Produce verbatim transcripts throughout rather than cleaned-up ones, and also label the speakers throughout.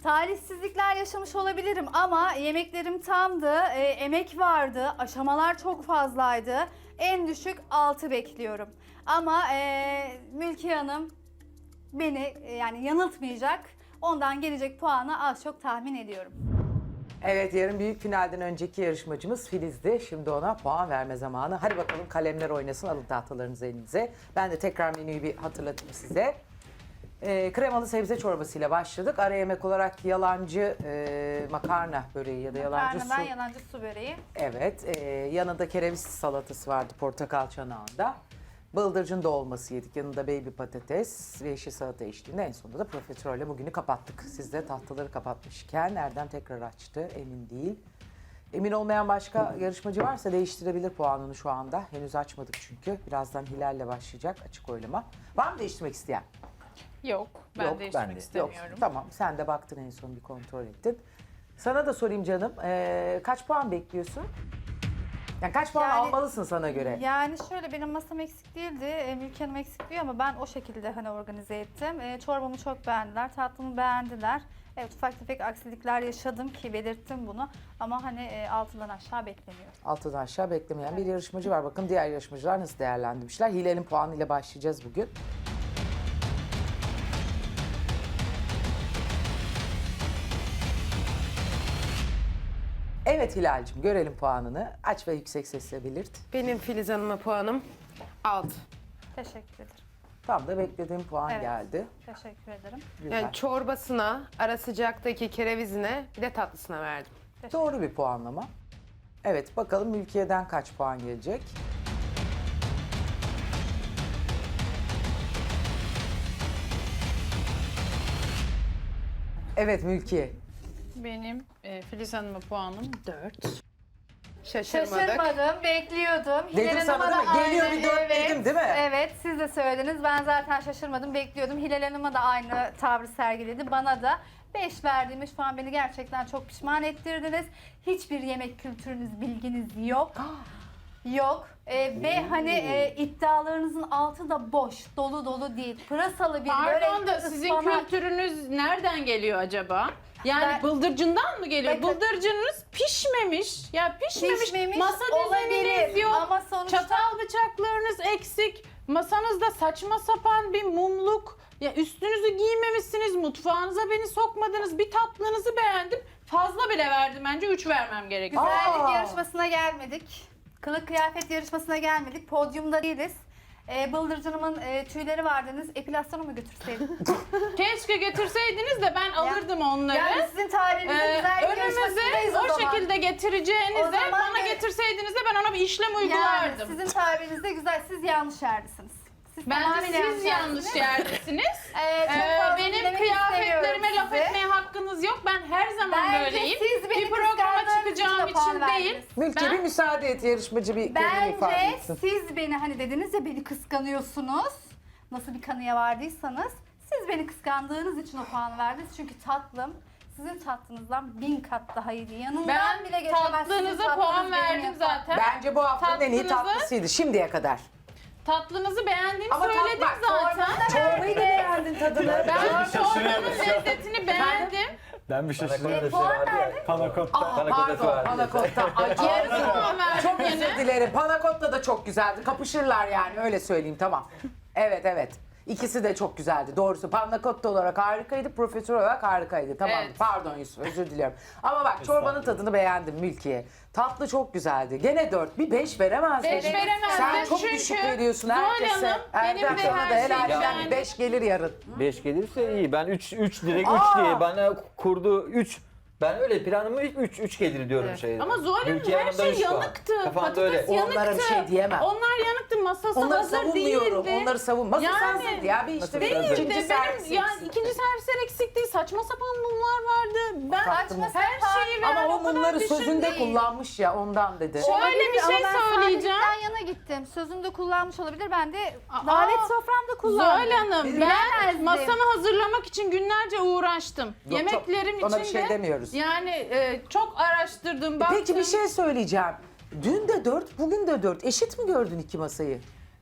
Speaker 1: Talihsizlikler yaşamış olabilirim ama yemeklerim tamdı, e, emek vardı, aşamalar çok fazlaydı. En düşük altı bekliyorum. Ama e, Mülkiye Hanım beni e, yani yanıltmayacak. Ondan gelecek puanı az çok tahmin ediyorum.
Speaker 2: Evet, yarın büyük finalden önceki yarışmacımız Filiz'di. Şimdi ona puan verme zamanı. Hadi bakalım, kalemler oynasın, alın tahtalarınızı elinize. Ben de tekrar menüyü bir hatırlatayım size. Ee, kremalı sebze çorbasıyla başladık. Ara yemek olarak yalancı e, makarna böreği ya da yalancı
Speaker 1: Makarnadan
Speaker 2: su.
Speaker 1: yalancı su böreği.
Speaker 2: Evet, e, yanında kereviz salatası vardı portakal çanağında. Bıldırcın dolması yedik. Yanında baby patates ve yeşil salata eşliğinde en sonunda da profiterolle bugünü kapattık. Siz de tahtaları kapatmışken Erdem tekrar açtı, emin değil. Emin olmayan başka yarışmacı varsa değiştirebilir puanını şu anda. Henüz açmadık çünkü. Birazdan Hilal'le başlayacak açık oylama. Var mı değiştirmek isteyen?
Speaker 3: Yok, ben
Speaker 2: Yok,
Speaker 3: değiştirmek
Speaker 2: ben de.
Speaker 3: istemiyorum.
Speaker 2: Yok, tamam, sen de baktın en son bir kontrol ettin. Sana da sorayım canım, ee, kaç puan bekliyorsun? Yani kaç puan
Speaker 1: Yani-
Speaker 2: almalısın sana göre?
Speaker 1: Yani şöyle, benim masam eksik değildi, e, Mülkiye Hanım eksik diyor ama ben o şekilde hani organize ettim. E, çorbamı çok beğendiler, tatlımı beğendiler. Evet, ufak tefek aksilikler yaşadım ki belirttim bunu ama hani e, altından aşağı beklemiyorum.
Speaker 2: Altıdan aşağı beklemeyen bir yarışmacı var. Bakın diğer yarışmacılar nasıl değerlendirmişler. Hilal'in puanıyla başlayacağız bugün. Evet Hilal'cim, görelim puanını. Aç ve yüksek sesle belirt.
Speaker 4: Benim Filiz Hanım'a puanım altı.
Speaker 1: Teşekkür ederim.
Speaker 2: Tam da beklediğim puan
Speaker 1: Evet.
Speaker 2: geldi.
Speaker 1: Teşekkür ederim.
Speaker 2: Güzel.
Speaker 4: Yani çorbasına, ara sıcaktaki kerevizine, bir de tatlısına verdim.
Speaker 2: Doğru bir puanlama. Evet, bakalım Mülkiye'den kaç puan gelecek? Evet Mülkiye.
Speaker 3: Benim e, Filiz Hanım'a puanım dört.
Speaker 4: Şaşırmadık.
Speaker 1: Şaşırmadım, bekliyordum.
Speaker 2: Dedim
Speaker 1: Hilal
Speaker 2: sana
Speaker 1: Hanım'a
Speaker 2: değil mi?
Speaker 1: da
Speaker 2: Geliyor
Speaker 1: aynı,
Speaker 2: bir dört
Speaker 1: evet,
Speaker 2: dedim değil mi?
Speaker 1: Evet, siz de söylediniz. Ben zaten şaşırmadım, bekliyordum. Hilal Hanım'a da aynı tavrı sergiledi. Bana da beş verdiğimiz şu an beni gerçekten çok pişman ettirdiniz. Hiçbir yemek kültürünüz, bilginiz yok. Yok. Ee, ve hani e, iddialarınızın altı da boş, dolu dolu değil. Pırasalı bir
Speaker 3: Pardon
Speaker 1: börek,
Speaker 3: da sizin
Speaker 1: ıspanak.
Speaker 3: kültürünüz nereden geliyor acaba? Yani
Speaker 1: Ben-
Speaker 3: bıldırcından mı geliyor?
Speaker 1: Bakın-
Speaker 3: Bıldırcınız pişmemiş. Ya pişmemiş.
Speaker 1: Pişmemiş
Speaker 3: Masa düzeniniz
Speaker 1: olabilir
Speaker 3: yok.
Speaker 1: ama sonuçta-
Speaker 3: Çatal bıçaklarınız eksik. Masanızda saçma sapan bir mumluk. Ya üstünüzü giymemişsiniz. Mutfağınıza beni sokmadınız. Bir tatlınızı beğendim. Fazla bile verdim, bence üç vermem gerekiyor.
Speaker 1: Güzellik
Speaker 2: Aa!
Speaker 1: yarışmasına gelmedik. Kılık kıyafet yarışmasına gelmedik. Podyumda değiliz. Ee, Bıldırcınımın e, tüyleri var dediniz. Epilasyona mı götürseydim?
Speaker 3: Keşke getirseydiniz de ben alırdım onları.
Speaker 1: Yani sizin tabirinize
Speaker 3: Ee,
Speaker 1: güzellik
Speaker 3: önümüze
Speaker 1: yarışmasındayız
Speaker 3: o
Speaker 1: zaman.
Speaker 3: şekilde getireceğinize
Speaker 1: O zaman
Speaker 3: bana
Speaker 1: ge-
Speaker 3: getirseydiniz de ben ona bir işlem
Speaker 1: Yani
Speaker 3: uygulardım.
Speaker 1: sizin tabirinizde güzel. Siz yanlış yerdesiniz. Siz
Speaker 3: Bence
Speaker 1: tamamen
Speaker 3: siz yanlış
Speaker 1: yerdesiniz.
Speaker 3: yerdesiniz.
Speaker 1: Ee, çok
Speaker 3: Ee,
Speaker 1: fazla
Speaker 3: benim
Speaker 1: dinlemek
Speaker 3: kıyafetlerime
Speaker 1: istemiyorum
Speaker 3: laf
Speaker 1: sizi.
Speaker 3: etmeye hakkınız yok. Ben her zaman
Speaker 1: Bence
Speaker 3: böyleyim.
Speaker 1: siz beni
Speaker 3: Bir programa
Speaker 1: kıskandığınız
Speaker 3: çıkacağım
Speaker 1: için de puan
Speaker 3: için değil.
Speaker 1: verdiniz.
Speaker 2: Mülkiye
Speaker 3: Ben-
Speaker 2: bir müsaade et, yarışmacı bir kendini ifade
Speaker 1: Bence
Speaker 2: etsin.
Speaker 1: siz beni hani dediniz ya, beni kıskanıyorsunuz. Nasıl bir kanıya vardıysanız siz beni kıskandığınız için o puanı verdiniz. Çünkü tatlım sizin tatlınızdan bin kat daha iyiydi. Yanından
Speaker 3: Ben
Speaker 1: bile geçemez. Sizin
Speaker 3: tatlınıza
Speaker 1: tatlınız
Speaker 3: puan
Speaker 1: benim
Speaker 3: verdim
Speaker 1: yapan.
Speaker 3: zaten.
Speaker 2: Bence bu haftanın en iyi
Speaker 3: Tatlınızı-
Speaker 2: tatlısıydı şimdiye kadar.
Speaker 3: Tatlınızı beğendiğimi
Speaker 2: Ama tat-
Speaker 3: söyledim
Speaker 2: bak,
Speaker 3: zaten.
Speaker 2: Çorbayı da beğendin tadını.
Speaker 3: Ben çorbanın lezzetini beğendim.
Speaker 5: Ben bir şey söyleyeyim.
Speaker 1: Puan verdim.
Speaker 5: Panakotta.
Speaker 2: Aa, pardon, panakotta. Ay,
Speaker 3: Yarısı puan verdim
Speaker 2: çok
Speaker 3: yine.
Speaker 2: özür dilerim. Panakotta da çok güzeldi. Kapışırlar yani, öyle söyleyeyim, tamam. Evet evet. İkisi de çok güzeldi. Doğrusu panakotta olarak harikaydı, profesör olarak harikaydı. Tamam.
Speaker 3: Evet.
Speaker 2: Pardon Yusuf, özür diliyorum. Ama bak, çorbanın tadını beğendim Mülkiye. Tatlı çok güzeldi. Gene dört. Bir beş veremez
Speaker 3: Beş
Speaker 2: miydin?
Speaker 3: veremezdim
Speaker 2: Sen çok
Speaker 3: çünkü
Speaker 2: düşük veriyorsun
Speaker 3: Zuhal
Speaker 2: herkese.
Speaker 3: Hanım, benim
Speaker 2: Erdem
Speaker 3: de
Speaker 2: sana
Speaker 3: her
Speaker 2: da
Speaker 3: şeyi
Speaker 2: helalden
Speaker 3: beğendim.
Speaker 2: bir beş gelir yarın.
Speaker 6: beş gelirse iyi. Ben üç üç direkt üç
Speaker 2: Aa!
Speaker 6: diye bana kurdu üç. Ben öyle planımı üç üç gelir diyorum
Speaker 4: Evet.
Speaker 6: şey.
Speaker 3: Ama Zuhal Hanım her şey yanıktı.
Speaker 6: Kafanda öyle.
Speaker 3: Patates yanıktı.
Speaker 2: Onlara bir şey diyemem.
Speaker 3: Onlar yanıktı. Masası
Speaker 2: Onları
Speaker 3: hazır
Speaker 2: savunmuyorum.
Speaker 3: değildi.
Speaker 2: Onları savunma. Nasıl
Speaker 3: Yani-
Speaker 2: sensin ya? Bir işte
Speaker 6: Değil
Speaker 2: bir
Speaker 6: de
Speaker 2: ikinci
Speaker 3: Değildi.
Speaker 2: servis
Speaker 3: Benim yani
Speaker 2: eksikti.
Speaker 3: ikinci servisler eksik değil. Saçma sapan mumlar vardı. Ben
Speaker 2: Saçma
Speaker 3: her
Speaker 1: sapan-
Speaker 3: şeyi veren
Speaker 2: Ama o
Speaker 3: o kadar
Speaker 2: mumları
Speaker 3: düşün
Speaker 2: sözünde
Speaker 3: değil.
Speaker 2: kullanmış ya, ondan dedi.
Speaker 3: Şöyle bir
Speaker 1: Ama
Speaker 3: şey
Speaker 1: ben
Speaker 3: söyleyeceğim.
Speaker 1: sadelikten yana gittim. Sözümde kullanmış olabilir. Ben de
Speaker 3: Aa,
Speaker 1: davet soframda kullandım.
Speaker 3: Zuhal Hanım, ben
Speaker 1: Bilemezdim.
Speaker 3: masamı hazırlamak için günlerce uğraştım.
Speaker 2: Yok,
Speaker 3: Yemeklerim
Speaker 2: çok- ona
Speaker 3: için
Speaker 2: bir şey
Speaker 3: de
Speaker 2: demiyoruz.
Speaker 3: yani e, çok araştırdım, baktım.
Speaker 2: Peki bir şey söyleyeceğim. Dün de dört, bugün de dört. Eşit mi gördün iki masayı?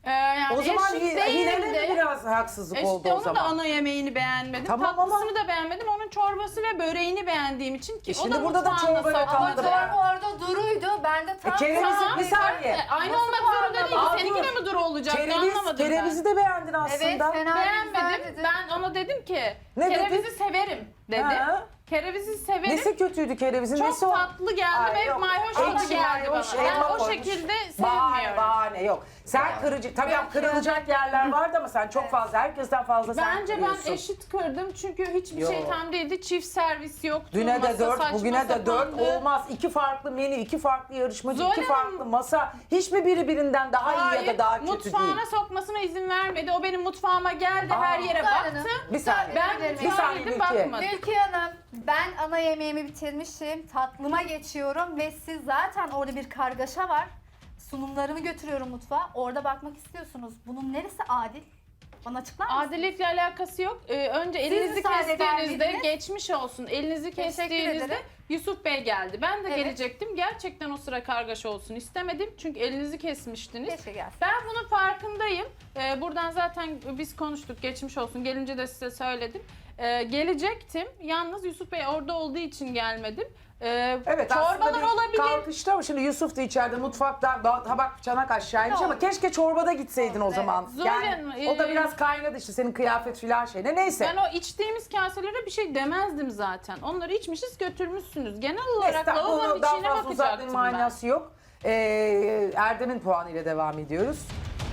Speaker 3: Ee, yani
Speaker 2: O zaman
Speaker 3: eşit
Speaker 2: Hi-
Speaker 3: değildi.
Speaker 2: Hilal'e de biraz haksızlık
Speaker 3: İşte
Speaker 2: oldu o
Speaker 3: onun da
Speaker 2: zaman.
Speaker 3: ana yemeğini beğenmedim.
Speaker 2: Tamam
Speaker 3: Tatlısını
Speaker 2: ama-
Speaker 3: da beğenmedim. Onun çorbası ve böreğini beğendiğim için ki
Speaker 2: E
Speaker 3: o
Speaker 2: şimdi
Speaker 3: da
Speaker 2: burada da
Speaker 3: mutfağında
Speaker 2: çorba yok
Speaker 3: sakladı.
Speaker 1: Ama çorba orada duruydu. Ben de tam...
Speaker 2: E, kereviz-
Speaker 3: Tamam,
Speaker 2: bir saniye.
Speaker 3: e, Aynı
Speaker 1: Nasıl
Speaker 3: olmak zorunda değil.
Speaker 1: puanlama?
Speaker 3: Seninki de mi duru olacaktı
Speaker 2: Kereviz,
Speaker 3: anlamadım
Speaker 2: kerevizi
Speaker 3: ben.
Speaker 2: de beğendin aslında.
Speaker 1: Evet, fena güzel
Speaker 3: Beğenmedim.
Speaker 1: dedi.
Speaker 3: Ben ona dedim ki
Speaker 2: Ne
Speaker 3: kerevizi
Speaker 2: dedin?
Speaker 3: severim dedim.
Speaker 2: Ha.
Speaker 3: Kerevizi severim.
Speaker 2: Nesi kötüydü kerevizin?
Speaker 3: Çok
Speaker 2: Nesi o?
Speaker 3: tatlı geldi
Speaker 2: Ay,
Speaker 3: ve
Speaker 2: yok.
Speaker 3: mayhoş
Speaker 2: Ekşi,
Speaker 3: tadı geldi
Speaker 2: mayhoş,
Speaker 3: bana. Ben
Speaker 2: elma
Speaker 3: o
Speaker 2: koymuş.
Speaker 3: şekilde
Speaker 2: Bahane,
Speaker 3: sevmiyorum.
Speaker 2: bahane yok. Sen kırıcı, tabii
Speaker 1: Ben
Speaker 2: kırılacak yerler vardı ama sen çok fazla, herkesten fazla sen
Speaker 3: Bence
Speaker 2: kırıyorsun.
Speaker 3: ben eşit kırdım çünkü hiçbir
Speaker 2: Yo.
Speaker 3: şey tam değildi. Çift servis yoktu.
Speaker 2: Düne de
Speaker 3: masa
Speaker 2: dört,
Speaker 3: saçma
Speaker 2: bugüne de dört
Speaker 3: sapandı.
Speaker 2: olmaz. İki farklı menü, iki farklı yarışmacı,
Speaker 3: Zuhal
Speaker 2: iki
Speaker 3: Hanım-
Speaker 2: farklı masa. Hiç mi biri birinden daha iyi ya da daha kötü
Speaker 3: mutfağına
Speaker 2: değil?
Speaker 3: sokmasına izin vermedi. O benim mutfağıma geldi, her yere
Speaker 1: Zuhal
Speaker 3: baktı.
Speaker 1: Hanım,
Speaker 2: Bir saniye.
Speaker 3: Ben
Speaker 1: Bir
Speaker 3: mutfağa
Speaker 2: saniye
Speaker 3: girdim,
Speaker 2: Mülkiye.
Speaker 3: bakmadım.
Speaker 1: Mülkiye Hanım, ben ana yemeğimi bitirmişim. Tatlıma geçiyorum ve siz zaten orada bir kargaşa var. Sunumlarımı götürüyorum mutfağa. Orada bakmak istiyorsunuz. Bunun neresi adil? Bana açıklar mısınız?
Speaker 3: Adaletle alakası yok. Ee, önce elinizi
Speaker 1: müsaade
Speaker 3: kestiğinizde
Speaker 1: vermediniz.
Speaker 3: geçmiş olsun. Elinizi
Speaker 1: Teşekkür
Speaker 3: kestiğinizde
Speaker 1: ederim.
Speaker 3: Yusuf Bey geldi. Ben de
Speaker 1: Evet.
Speaker 3: gelecektim. Gerçekten o sıra kargaşa olsun istemedim. Çünkü elinizi kesmiştiniz.
Speaker 1: Keşke gelsin.
Speaker 3: Ben bunun farkındayım. Ee, buradan zaten biz konuştuk. Geçmiş olsun. Gelince de size söyledim. Ee, gelecektim. Yalnız Yusuf Bey orada olduğu için gelmedim. Ee,
Speaker 2: Evet
Speaker 3: çorbalar
Speaker 2: aslında bir
Speaker 3: olabilir.
Speaker 2: kalkıştı ama şimdi Yusuf da içeride mutfakta ba- tabak çanak aşağıymış
Speaker 1: Ne
Speaker 2: ama
Speaker 1: oldu?
Speaker 2: keşke çorbada gitseydin o
Speaker 1: Evet.
Speaker 2: zaman.
Speaker 3: Zuhal
Speaker 2: Yani
Speaker 3: Hanım,
Speaker 2: o da
Speaker 3: e-
Speaker 2: biraz kaynadı işte senin kıyafet filan şeyine. Neyse.
Speaker 3: Ben o içtiğimiz kaselere bir şey demezdim zaten. Onları içmişiz götürmüşsünüz. Genel olarak
Speaker 2: Neyse
Speaker 3: lavabonun
Speaker 2: bunu daha
Speaker 3: içine
Speaker 2: fazla uzatmanın
Speaker 3: bakacaktım ben.
Speaker 2: manası yok. Ee, Erdem'in puanıyla devam ediyoruz.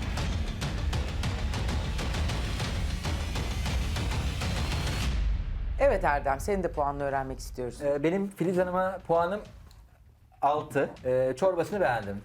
Speaker 2: Evet Erdem, senin de puanını öğrenmek istiyoruz.
Speaker 6: Ee, benim Filiz Hanım'a puanım altı. Ee, çorbasını beğendim.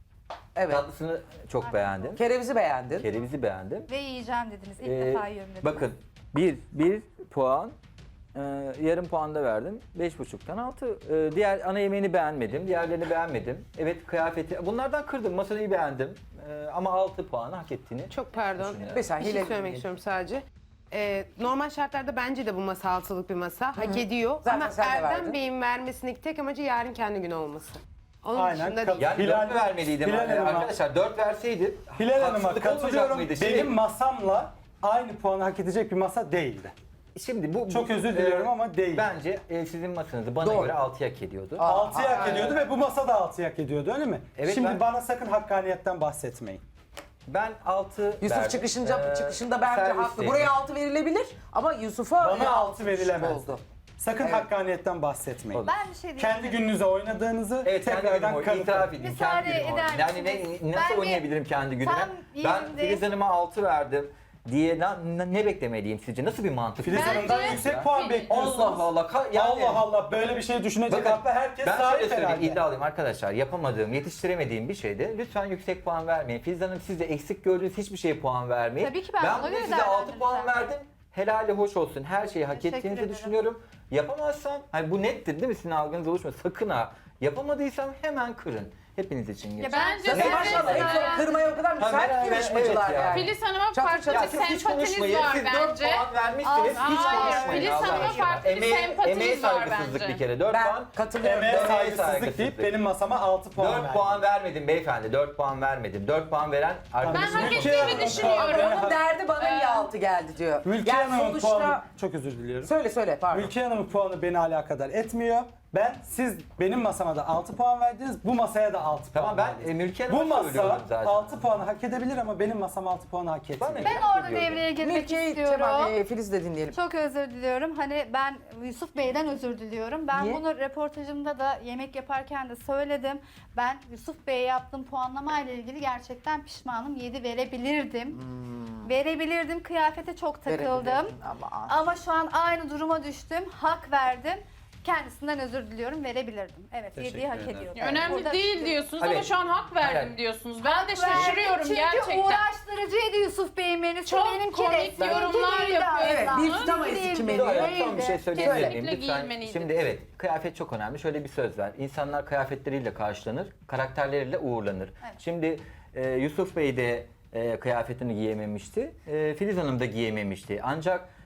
Speaker 2: Evet.
Speaker 6: Tatlısını çok beğendim.
Speaker 2: Kerevizi beğendin.
Speaker 6: Kerevizi beğendim.
Speaker 1: Ve yiyeceğim dediniz. İlk
Speaker 6: Ee,
Speaker 1: defa yiyorum dediniz.
Speaker 6: Bakın bir, bir puan, e, yarım puan da verdim. Beş buçuktan altı. E, diğer ana yemeğini beğenmedim, diğerlerini beğenmedim. Evet kıyafeti, bunlardan kırdım, masayı beğendim. E, ama altı puanı hak ettiğini.
Speaker 4: Çok pardon.
Speaker 6: Düşünüyorum.
Speaker 2: Bir saniye,
Speaker 4: Bir şey
Speaker 2: Hilal-
Speaker 4: söylemek istiyorum sadece. Ee, normal şartlarda bence de bu masa altılık bir masa. Hak ediyor.
Speaker 2: Zaten
Speaker 4: Ama
Speaker 2: sen de verdin.
Speaker 4: Erdem Bey'in vermesindeki tek amacı yarın kendi günü olması. Onun
Speaker 5: Aynen,
Speaker 4: dışında
Speaker 5: kat-
Speaker 4: değil.
Speaker 6: Yani
Speaker 5: Hilal-
Speaker 6: dört mü vermeliydim?
Speaker 5: Hilal
Speaker 6: E,
Speaker 5: Hanım'a-
Speaker 6: arkadaşlar dört verseydi
Speaker 5: Hilal Hanım'a
Speaker 6: haksızlık olmayacak
Speaker 5: katılıyorum.
Speaker 6: mıydı? Şimdi-
Speaker 5: Benim masamla aynı puanı hak edecek bir masa değildi.
Speaker 6: Şimdi bu
Speaker 5: Çok
Speaker 6: bu,
Speaker 5: özür diliyorum ama değil.
Speaker 6: Bence e, sizin masanızı bana
Speaker 2: Doğru.
Speaker 6: göre altı hak ediyordu.
Speaker 2: Aa,
Speaker 5: altıyı hak
Speaker 2: aa,
Speaker 5: ediyordu ve bu masa da altıyı hak ediyordu öyle mi?
Speaker 6: Evet,
Speaker 5: Şimdi
Speaker 6: ben-
Speaker 5: bana sakın hakkaniyetten bahsetmeyin.
Speaker 6: Ben altı
Speaker 2: Yusuf
Speaker 6: verdim.
Speaker 2: çıkışınca
Speaker 6: Ee,
Speaker 2: çıkışında bence haklı.
Speaker 6: servisteydi.
Speaker 2: Buraya altı verilebilir ama Yusuf'a
Speaker 5: Bana
Speaker 2: e,
Speaker 5: altı verilemez.
Speaker 2: oldu.
Speaker 5: Sakın
Speaker 2: Evet.
Speaker 5: hakkaniyetten bahsetmeyin.
Speaker 6: Olur.
Speaker 1: Ben bir şey diyeyim.
Speaker 5: Kendi gününüze oynadığınızı
Speaker 6: Evet kendi günüm
Speaker 5: tekrardan
Speaker 6: o,
Speaker 5: kanıtlayın.
Speaker 6: itiraf edeyim.
Speaker 1: Müsaade
Speaker 6: Kendi günüm o.
Speaker 1: eder
Speaker 6: Yani ne,
Speaker 1: misiniz?
Speaker 6: nasıl
Speaker 1: Ben bir-
Speaker 6: oynayabilirim kendi günüme?
Speaker 1: Tam
Speaker 6: Ben
Speaker 1: yerinde-
Speaker 6: Filiz Hanım'a altı verdim diye na- na- ne beklemeliyim sizce? Nasıl bir mantık?
Speaker 5: Filiz
Speaker 3: Bence-
Speaker 5: Hanım'dan yüksek puan bekliyorsunuz.
Speaker 6: Allah Allah. ka- Yani,
Speaker 5: Allah Allah böyle bir şey düşünecek
Speaker 6: Bakın,
Speaker 5: aklı herkes
Speaker 6: ben şöyle
Speaker 5: sahip
Speaker 6: söyleyeyim
Speaker 5: herhalde.
Speaker 6: iddialıyım arkadaşlar. Yapamadığım, yetiştiremediğim bir şeyde lütfen yüksek puan vermeyin. Filiz Hanım siz de eksik gördüğünüz hiçbir şeye puan vermeyin.
Speaker 1: Tabii ki ben ona
Speaker 6: bugün
Speaker 1: göre
Speaker 6: size altı puan
Speaker 1: değerlendireceğim.
Speaker 6: verdim. Helali hoş olsun. Her şeyi hak
Speaker 1: Teşekkür
Speaker 6: ettiğinizi
Speaker 1: ederim.
Speaker 6: düşünüyorum. Yapamazsam, hani bu nettir değil mi sizin algınız oluşmuyor. Sakın ha. Yapamadıysam hemen kırın. Hepiniz için geçer.
Speaker 3: bence
Speaker 2: Zaten
Speaker 3: Evet,
Speaker 2: maşallah
Speaker 3: evet.
Speaker 2: hep o kırmaya o kadar müsait
Speaker 6: merak-
Speaker 2: ki yarışmacılar
Speaker 6: evet ya.
Speaker 2: yani.
Speaker 3: Filiz Hanım'a
Speaker 2: Çatır
Speaker 3: farklı
Speaker 2: çatır.
Speaker 3: bir
Speaker 6: Siz hiç
Speaker 3: sempatiniz
Speaker 6: konuşmayın.
Speaker 3: var
Speaker 6: Siz dört
Speaker 3: bence.
Speaker 6: puan vermişsiniz.
Speaker 1: Aa,
Speaker 6: hiç
Speaker 3: hayır,
Speaker 6: konuşmayın.
Speaker 3: Filiz
Speaker 6: Allah
Speaker 3: Hanım'a
Speaker 6: aşkına.
Speaker 3: farklı bir
Speaker 6: Emeğe-
Speaker 3: sempatiniz
Speaker 6: emeğe
Speaker 3: var
Speaker 6: saygısızlık
Speaker 3: bence.
Speaker 6: bir kere. dört
Speaker 2: Ben
Speaker 6: puan.
Speaker 2: katılıyorum.
Speaker 5: Emeğe
Speaker 6: Emeğe
Speaker 5: saygısızlık
Speaker 6: saygısızlık.
Speaker 5: deyip benim masama altı puan
Speaker 6: dört
Speaker 5: verdi.
Speaker 6: puan vermedim beyefendi. dört puan vermedim. dört puan veren
Speaker 3: Ben
Speaker 6: arkadaşım.
Speaker 3: hak
Speaker 5: Mülkiye
Speaker 3: ettiğimi
Speaker 5: Hanım,
Speaker 3: düşünüyorum.
Speaker 2: Onun derdi bana niye altı geldi diyor.
Speaker 5: Mülkiye
Speaker 2: Yani
Speaker 5: Hanım'ın
Speaker 2: sonuçta...
Speaker 5: puanı, çok özür diliyorum.
Speaker 2: Söyle söyle pardon.
Speaker 5: Mülkiye Hanım'ın puanı beni alakadar etmiyor. Ben, siz benim masama da altı puan verdiniz, bu masaya da altı
Speaker 6: Tamam
Speaker 5: puan
Speaker 6: ben
Speaker 5: verdiniz.
Speaker 6: e, Mülkiye
Speaker 5: Bu
Speaker 6: Hanım'a söylüyorum
Speaker 5: masa
Speaker 6: zaten.
Speaker 5: altı puanı hak edebilir ama benim masam altı puanı hak etmiyor.
Speaker 6: Bana-
Speaker 1: Ben
Speaker 6: Hak
Speaker 1: orada
Speaker 6: ediyorum.
Speaker 1: devreye girmek
Speaker 2: Mülkiye,
Speaker 1: istiyorum.
Speaker 2: tamam e, Filiz de dinleyelim.
Speaker 1: Çok özür diliyorum. Hani ben Yusuf Bey'den özür diliyorum. Ben
Speaker 2: Niye?
Speaker 1: bunu röportajımda da yemek yaparken de söyledim. Ben Yusuf Bey'e yaptığım puanlama ile ilgili gerçekten pişmanım. yedi verebilirdim. Verebilirdim. Kıyafete çok takıldım.
Speaker 2: Verebilirdin ama.
Speaker 1: Ama şu an aynı duruma düştüm. Hak verdim. Kendisinden özür diliyorum. Verebilirdim. Evet, yediği hak ediyordu.
Speaker 3: Önemli
Speaker 1: Burada-
Speaker 3: değil diyorsunuz ama
Speaker 6: Evet.
Speaker 3: şu an hak verdim
Speaker 6: Hayır.
Speaker 3: diyorsunuz. Ben de
Speaker 1: Verdim
Speaker 3: şaşırıyorum
Speaker 1: çünkü
Speaker 3: gerçekten.
Speaker 1: uğraştırıcıydı Yusuf Bey'in menüsü.
Speaker 3: Çok
Speaker 1: benimki
Speaker 3: komik
Speaker 1: de. Seninki
Speaker 3: yorumlar
Speaker 1: değildi
Speaker 3: yapıyor.
Speaker 1: aslında.
Speaker 2: Evet, bir tutamayız iki
Speaker 1: Değildi,
Speaker 2: menüyü.
Speaker 6: Doğru,
Speaker 1: değildi.
Speaker 6: son bir şey söyleyebilir miyim?
Speaker 3: Kesinlikle
Speaker 6: Lütfen.
Speaker 3: giyilmeliydi.
Speaker 6: Şimdi evet, kıyafet çok önemli. Şöyle bir söz var. İnsanlar kıyafetleriyle karşılanır, karakterleriyle uğurlanır.
Speaker 1: Evet.
Speaker 6: Şimdi e, Yusuf Bey de e, kıyafetini giyememişti. E, Filiz Hanım da giyememişti. Ancak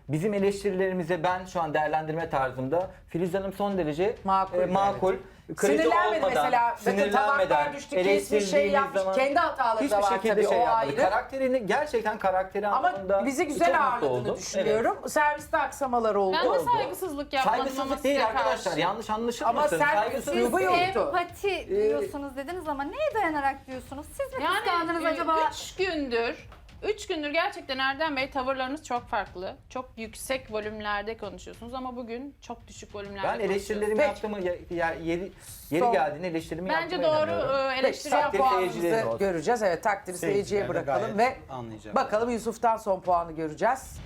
Speaker 6: bizim eleştirilerimize ben şu an değerlendirme tarzımda Filiz Hanım son derece
Speaker 2: Makul,
Speaker 6: e, makul. Kırıcı
Speaker 2: Sinirlenmedi
Speaker 6: olmadan,
Speaker 2: mesela. Bakın
Speaker 6: sinirlenmeden,
Speaker 2: tabaklar düştü, kesmiş, şey
Speaker 6: eleştirdiğimiz
Speaker 2: yapmış.
Speaker 6: zaman
Speaker 2: Kendi hataları
Speaker 6: hiçbir
Speaker 2: da var
Speaker 6: şekilde
Speaker 2: tabii,
Speaker 6: şey
Speaker 2: o
Speaker 6: yapmadı.
Speaker 2: ayrı.
Speaker 6: Karakterini, gerçekten karakteri anlamında
Speaker 2: Ama bizi
Speaker 6: çok
Speaker 2: güzel
Speaker 6: mutlu
Speaker 2: ağırladığını
Speaker 6: oldum.
Speaker 2: düşünüyorum. Serviste aksamalar oldu.
Speaker 3: Ben de
Speaker 2: oldu.
Speaker 3: saygısızlık yapmadım ama
Speaker 6: Saygısızlık
Speaker 3: size
Speaker 6: değil
Speaker 3: karşı.
Speaker 6: arkadaşlar. Yanlış anlaşılmasın.
Speaker 2: Ama sen
Speaker 6: Saygısızlık
Speaker 2: üslubu
Speaker 6: değil.
Speaker 2: yoktu.
Speaker 1: Empati diyorsunuz dediniz ama neye dayanarak diyorsunuz? Siz mi kıskandınız
Speaker 3: Yani
Speaker 1: acaba?
Speaker 3: üç gündür, üç gündür gerçekten Erdem Bey tavırlarınız çok farklı. Çok yüksek volümlerde konuşuyorsunuz ama bugün çok düşük volümlerde
Speaker 6: Ben eleştirilerimi
Speaker 2: Peki.
Speaker 6: yaptığımı, ya, ya- yeri, yeri
Speaker 2: Son-
Speaker 6: geldiğinde eleştirimi
Speaker 3: Bence
Speaker 6: yaptığıma
Speaker 3: doğru
Speaker 6: inanıyorum.
Speaker 3: e, eleştiri
Speaker 2: Peki,
Speaker 6: takdir
Speaker 3: yapalım.
Speaker 6: seyircileri
Speaker 2: Puanımızı
Speaker 6: olsun.
Speaker 2: göreceğiz. Evet, takdiri seyirciye
Speaker 5: Seyirciler de
Speaker 2: bırakalım ve
Speaker 5: gayet anlayacak.
Speaker 2: bakalım Yusuf'tan son puanı göreceğiz.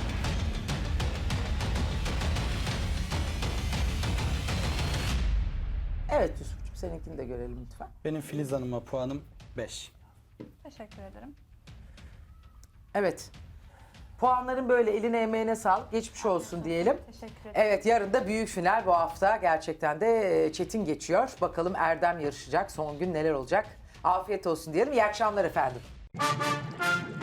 Speaker 2: Evet Yusuf'cum, seninkini de görelim lütfen.
Speaker 5: Benim Filiz Hanım'a puanım beş.
Speaker 1: Teşekkür ederim.
Speaker 2: Evet. Puanların böyle eline emeğine sağlık. Geçmiş olsun diyelim.
Speaker 1: Teşekkür ederim.
Speaker 2: Evet, yarın da büyük final bu hafta. Gerçekten de e, çetin geçiyor. Bakalım Erdem yarışacak. Son gün neler olacak? Afiyet olsun diyelim. İyi akşamlar efendim.